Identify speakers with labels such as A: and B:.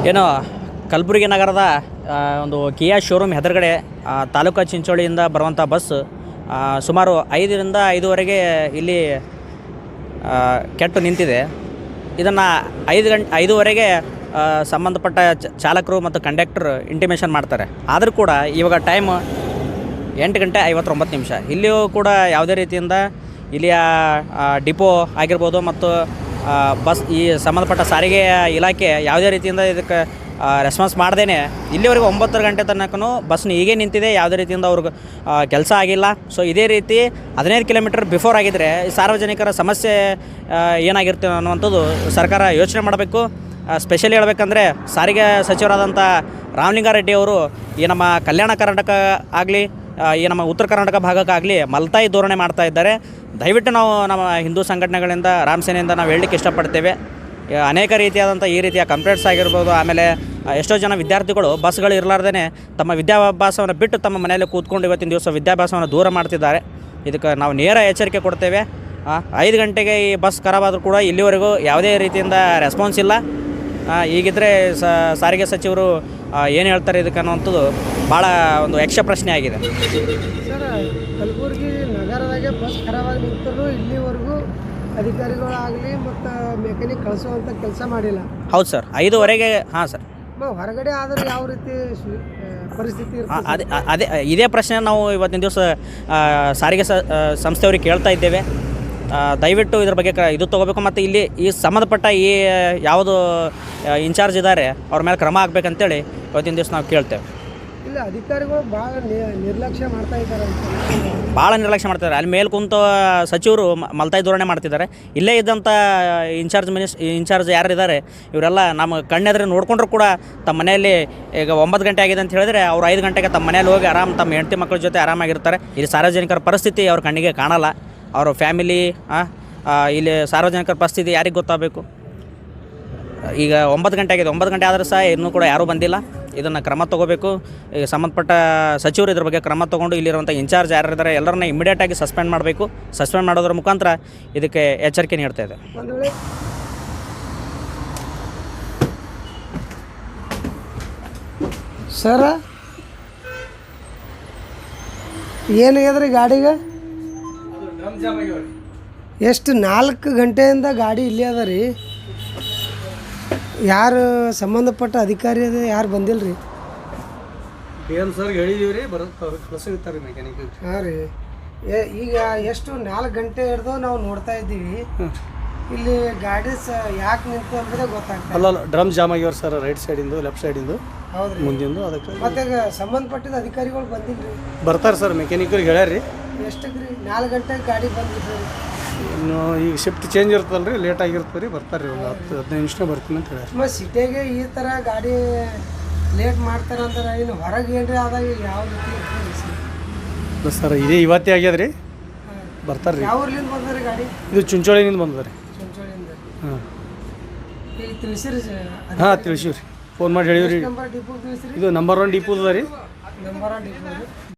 A: ಏನು ಕಲಬುರಗಿ ನಗರದ ಒಂದು ಕಿಯಾ ಶೋರೂಮ್ ಎದುರುಗಡೆ ತಾಲೂಕು ಚಿಂಚೋಳಿಯಿಂದ ಬರುವಂಥ ಬಸ್ ಸುಮಾರು 5ರಿಂದ 5:15 ಇಲ್ಲಿ ಕೆಟ್ಟು ನಿಂತಿದೆ. ಇದನ್ನು 5:05 ಸಂಬಂಧಪಟ್ಟ ಚಾಲಕರು ಮತ್ತು ಕಂಡಕ್ಟರ್ ಇಂಟಿಮೇಷನ್ ಮಾಡ್ತಾರೆ. ಆದರೂ ಕೂಡ ಇವಾಗ ಟೈಮ್ 8:59. ಇಲ್ಲಿಯೂ ಕೂಡ ಯಾವುದೇ ರೀತಿಯಿಂದ ಇಲ್ಲಿಯ ಡಿಪೋ ಆಗಿರ್ಬೋದು ಮತ್ತು ಬಸ್ ಈ ಸಂಬಂಧಪಟ್ಟ ಸಾರಿಗೆ ಇಲಾಖೆ ಯಾವುದೇ ರೀತಿಯಿಂದ ಇದಕ್ಕೆ ರೆಸ್ಪಾನ್ಸ್ ಮಾಡ್ದೇ ಇಲ್ಲಿವರೆಗೂ 9 ಗಂಟೆ ತನಕನೂ ಬಸ್ನ ಹೀಗೆ ನಿಂತಿದೆ. ಯಾವುದೇ ರೀತಿಯಿಂದ ಅವ್ರಿಗೆ ಕೆಲಸ ಆಗಿಲ್ಲ. ಸೊ ಇದೇ ರೀತಿ 15 ಕಿಲೋಮೀಟರ್ ಬಿಫೋರ್ ಆಗಿದ್ದರೆ ಸಾರ್ವಜನಿಕರ ಸಮಸ್ಯೆ ಏನಾಗಿರ್ತೀವಿ ಅನ್ನುವಂಥದ್ದು ಸರ್ಕಾರ ಯೋಚನೆ ಮಾಡಬೇಕು. ಸ್ಪೆಷಲಿ ಹೇಳಬೇಕಂದ್ರೆ ಸಾರಿಗೆ ಸಚಿವರಾದಂಥ ರಾಮಲಿಂಗಾರೆಡ್ಡಿ ಅವರು ಈ ನಮ್ಮ ಕಲ್ಯಾಣ ಕರ್ನಾಟಕ ಆಗಲಿ ಈ ನಮ್ಮ ಉತ್ತರ ಕರ್ನಾಟಕ ಭಾಗಕ್ಕಾಗಲಿ ಮಲ್ತಾಯಿ ಧೋರಣೆ ಮಾಡ್ತಾ ಇದ್ದಾರೆ. ದಯವಿಟ್ಟು ನಾವು ನಮ್ಮ ಹಿಂದೂ ಸಂಘಟನೆಗಳಿಂದ ರಾಮ್ ಸೇನೆಯಿಂದ ನಾವು ಹೇಳಲಿಕ್ಕೆ ಇಷ್ಟಪಡ್ತೇವೆ. ಅನೇಕ ರೀತಿಯಾದಂಥ ಈ ರೀತಿಯ ಕಂಪ್ಲೇಂಟ್ಸ್ ಆಗಿರ್ಬೋದು. ಆಮೇಲೆ ಎಷ್ಟೋ ಜನ ವಿದ್ಯಾರ್ಥಿಗಳು ಬಸ್ಗಳು ಇರಲಾರ್ದೇ ತಮ್ಮ ವಿದ್ಯಾಭ್ಯಾಸವನ್ನು ಬಿಟ್ಟು ತಮ್ಮ ಮನೆಯಲ್ಲಿ ಕೂತ್ಕೊಂಡು ಇವತ್ತಿನ ದಿವಸ ವಿದ್ಯಾಭ್ಯಾಸವನ್ನು ದೂರ ಮಾಡ್ತಿದ್ದಾರೆ. ಇದಕ್ಕೆ ನಾವು ನೇರ ಎಚ್ಚರಿಕೆ ಕೊಡ್ತೇವೆ. 5 ಗಂಟೆಗೆ ಈ ಬಸ್ ಖರಾಬಾದರೂ ಕೂಡ ಇಲ್ಲಿವರೆಗೂ ಯಾವುದೇ ರೀತಿಯಿಂದ ರೆಸ್ಪಾನ್ಸ್ ಇಲ್ಲ. ಹೀಗಿದ್ದರೆ ಸಾರಿಗೆ ಸಚಿವರು ಏನು ಹೇಳ್ತಾರೆ ಇದಕ್ಕೆ ಅನ್ನುವಂಥದ್ದು ಭಾಳ ಒಂದು ಯಕ್ಷ ಪ್ರಶ್ನೆ ಆಗಿದೆ.
B: ಸರ್, ಕಲಬುರಗಿ ನಗರದಾಗೆ ಬಸ್ ಖರಾಬಾಗಿ ನಿಂತರೂ ಇಲ್ಲಿವರೆಗೂ ಅಧಿಕಾರಿಗಳಾಗಲಿ ಮತ್ತು ಮೆಕ್ಯಾನಿಕ್ ಕಳಿಸುವಂಥ ಕೆಲಸ ಮಾಡಿಲ್ಲ.
A: ಹೌದು ಸರ್, 5:15. ಹಾಂ ಸರ್,
B: ಹೊರಗಡೆ ಆದರೆ ಯಾವ ರೀತಿ ಪರಿಸ್ಥಿತಿ ಇರ್ತದೆ?
A: ಅದೇ ಇದೇ ಪ್ರಶ್ನೆ ನಾವು ಇವತ್ತಿನ ದಿವಸ ಸಾರಿಗೆ ಸಂಸ್ಥೆಯವ್ರಿಗೆ ಕೇಳ್ತಾ ಇದ್ದೇವೆ. ದಯವಿಟ್ಟು ಇದ್ರ ಬಗ್ಗೆ ಇದು ತೊಗೋಬೇಕು ಮತ್ತು ಇಲ್ಲಿ ಈ ಸಂಬಂಧಪಟ್ಟ ಈ ಯಾವುದು ಇನ್ಚಾರ್ಜ್ ಇದ್ದಾರೆ ಅವ್ರ ಮೇಲೆ ಕ್ರಮ ಆಗಬೇಕಂತೇಳಿ ಇವತ್ತಿನ ದಿವಸ ನಾವು ಕೇಳ್ತೇವೆ.
B: ಇಲ್ಲ, ಅಧಿಕಾರಿಗಳು ಭಾಳ ನಿರ್ಲಕ್ಷ್ಯ ಮಾಡ್ತಾ ಇದ್ದಾರೆ
A: ಭಾಳ ನಿರ್ಲಕ್ಷ್ಯ ಮಾಡ್ತಿದ್ದಾರೆ. ಅಲ್ಲಿ ಮೇಲೆ ಕುಂತು ಸಚಿವರು ಮಲ್ತಾಯಿ ಧೋರಣೆ ಮಾಡ್ತಿದ್ದಾರೆ. ಇಲ್ಲೇ ಇದ್ದಂಥ ಇನ್ಚಾರ್ಜ್ ಯಾರಿದ್ದಾರೆ ಇವರೆಲ್ಲ ನಮ್ಮ ಕಣ್ಣೆದ್ರೆ ನೋಡ್ಕೊಂಡ್ರು ಕೂಡ ತಮ್ಮ ಮನೆಯಲ್ಲಿ ಈಗ 9 ಗಂಟೆ ಆಗಿದೆ ಅಂತ ಹೇಳಿದ್ರೆ ಅವ್ರು 5 ಗಂಟೆಗೆ ತಮ್ಮ ಮನೇಲಿ ಹೋಗಿ ತಮ್ಮ ಹೆಂಡತಿ ಮಕ್ಕಳ ಜೊತೆ ಆರಾಮಾಗಿರ್ತಾರೆ. ಇಲ್ಲಿ ಸಾರ್ವಜನಿಕರ ಪರಿಸ್ಥಿತಿ ಅವ್ರ ಕಣ್ಣಿಗೆ ಕಾಣಲ್ಲ. ಅವ್ರ ಫ್ಯಾಮಿಲಿ ಇಲ್ಲಿ ಸಾರ್ವಜನಿಕರ ಪರಿಸ್ಥಿತಿ ಯಾರಿಗೆ ಗೊತ್ತಾಗಬೇಕು? ಈಗ 9 ಗಂಟೆ ಆಗಿದೆ. 9 ಗಂಟೆ ಆದರೂ ಸಹ ಇನ್ನೂ ಕೂಡ ಯಾರೂ ಬಂದಿಲ್ಲ. ಇದನ್ನು ಕ್ರಮ ತೊಗೋಬೇಕು. ಈಗ ಸಂಬಂಧಪಟ್ಟ ಸಚಿವರು ಇದ್ರ ಬಗ್ಗೆ ಕ್ರಮ ತೊಗೊಂಡು ಇಲ್ಲಿರುವಂಥ ಇನ್ಚಾರ್ಜ್ ಯಾರಿದ್ದಾರೆ ಎಲ್ಲರನ್ನ ಇಮಿಡಿಯೇಟಾಗಿ ಸಸ್ಪೆಂಡ್ ಮಾಡಬೇಕು. ಸಸ್ಪೆಂಡ್ ಮಾಡೋದ್ರ ಮುಖಾಂತರ ಇದಕ್ಕೆ ಎಚ್ಚರಿಕೆ ನೀಡ್ತಾ ಇದೆ.
B: ಸರ, ಏನಾಗ್ಯದ್ರಿ ಗಾಡಿಗೆ? ಎಷ್ಟು 4 ಗಂಟೆಯಿಂದ ಗಾಡಿ ಇಲ್ಲಿ ಅದ ರೀ. ಯಾರು ಸಂಬಂಧಪಟ್ಟ ಅಧಿಕಾರಿ ಅದ ಯಾರು ಬಂದಿಲ್ಲ ರೀ?
C: ಏನು ಸರ್ ಹೇಳಿದೀವಿ ರೀ, ಕಳಿಸಿರ್ತಾರೆ ಮೆಕ್ಯಾನಿಕ್.
B: ಹಾಂ ರೀ, ಈಗ ಎಷ್ಟು 4 ಗಂಟೆ ಹಿಡ್ದು ನಾವು ನೋಡ್ತಾ ಇದ್ದೀವಿ. ಇಲ್ಲಿ ಗಾಡಿ ಯಾಕೆ ನಿಂತು ಅಂದರೆ ಗೊತ್ತಾಗ್ತದೆ.
C: ಅಲ್ಲ, ಡ್ರಮ್ ಜಾಮ್ ಆಗ್ಯಾವ್ರಿ ಸರ್, ರೈಟ್ ಸೈಡಿಂದು ಲೆಫ್ಟ್ ಸೈಡಿಂದು.
B: ಹೌದು ರೀ,
C: ಮುಂದಿಂದು. ಅದಕ್ಕೆ
B: ಮತ್ತೆ ಸಂಬಂಧಪಟ್ಟಿದ ಅಧಿಕಾರಿಗಳು ಬಂದಿಲ್ಲ ರೀ?
C: ಬರ್ತಾರೆ ಸರ್, ಮೆಕ್ಯಾನಿಕ್ರಿಗೆ ಹೇಳ್ಯಾರಿ.
B: ಎಷ್ಟಕ್ಕೆ ರೀ? 4 ಗಂಟೆಗೆ ಗಾಡಿ ಬಂದಿದ್ರಿ.
C: ಇನ್ನು ಈಗ ಶಿಫ್ಟ್ ಚೇಂಜ್ ಇರ್ತಲ್ಲ ರೀ, ಲೇಟ್ ಆಗಿರ್ತದೆ ರೀ. ಬರ್ತಾರೆ ರೀ, ಒಂದು 10-15 ನಿಮಿಷ ಬರ್ತೀನಿ ಅಂತ ಹೇಳಿ.
B: ಮತ್ತು ಸಿಟಿಗೆ ಈ ಥರ ಗಾಡಿ ಲೇಟ್ ಮಾಡ್ತಾರೆ ಅಂದ್ರೆ ಇನ್ನು ಹೊರಗೆ ಏನ್ರಿ ಆದಾಗ ಯಾವ ರೀತಿ ಇರ್ತದೆ
C: ಸರ್? ಇದೇ ಇವತ್ತೇ ಆಗ್ಯದ ರೀ. ಬರ್ತಾರೆ ರೀ.
B: ಯಾವ ಊರ್ಲಿಂದ ಬಂದ್ರಿ ಗಾಡಿ?
C: ಇದು ಚುಂಚೋಳಿನಿಂದ ಬಂದದ ರೀ.
B: ಚುಂಚೋಳಿಂದ.
C: ಹಾಂ,
B: ಈಗ ತಿಳಿಸಿರಿ?
C: ಹಾಂ ತಿಳಿಸಿವಿ ರೀ, ಫೋನ್ ಮಾಡಿ ಹೇಳಿವ್ರಿ.
B: ನಂಬರ್ ಡಿಪೋ ತಿಳಿಸಿರಿ?
C: ಇದು ನಂಬರ್ 1 ಡಿಪೋದ ರೀ.
B: ನಂಬರ್ 1 ಡಿಪೋ ರೀ.